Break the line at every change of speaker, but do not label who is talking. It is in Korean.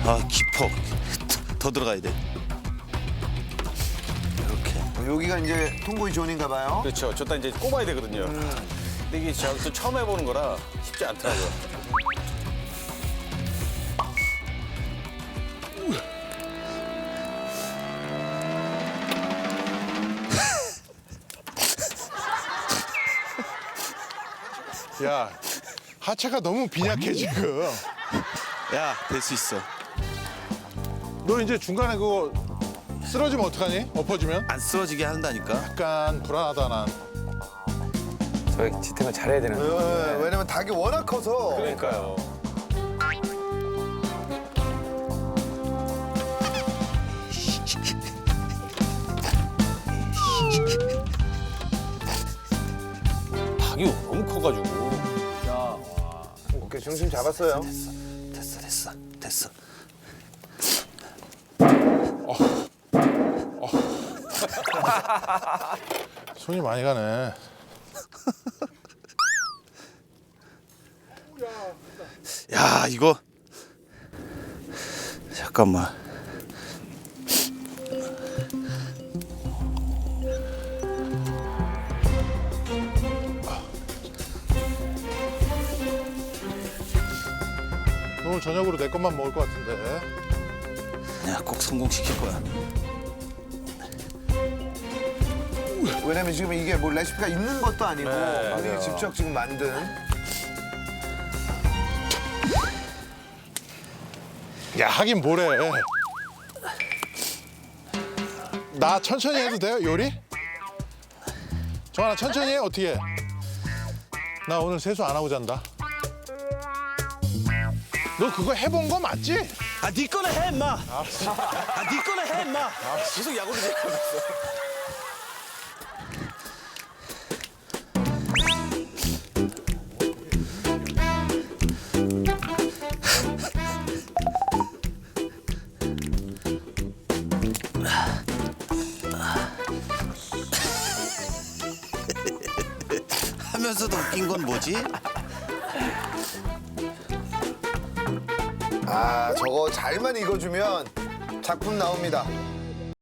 아 깊어. 더 들어가야 돼. 이렇게.
여기가 이제 통보이 존인가 봐요.
그렇죠. 저따 이제 꼽아야 되거든요. 근데 이게 저 처음 해보는 거라 쉽지 않더라고요.
야, 하체가 너무 빈약해 지금.
야, 될 수 있어.
너 이제 중간에 그거 쓰러지면 어떡하니? 엎어지면?
안 쓰러지게 한다니까.
약간 불안하다 난.
저희 지탱을 잘해야 되는데.
왜냐면 닭이 워낙 커서.
그러니까요. 닭이 너무 커가지고.
오케이, 중심 잡았어요.
됐어.
손이 많이 가네.
야, 이거. 잠깐만.
오늘 저녁으로 내 것만 먹을 것 같은데.
내가 꼭 성공시킬 거야.
왜냐면 지금 이게 뭐 레시피가 있는 것도 아니고
네,
본인이
맞아요.
직접 지금 만든.
야, 하긴 뭐래. 나 천천히 해도 돼요, 요리? 정하나 천천히 해, 어떻게 해? 나 오늘 세수 안 하고 잔다. 너 그거 해본 거 맞지?
아, 네 거나 해, 임마. 아, 네 거나 해, 임마.
계속 야구를 생각하면서.
하면서도 웃긴 건 뭐지?
아, 저거 잘만 익어주면 작품 나옵니다.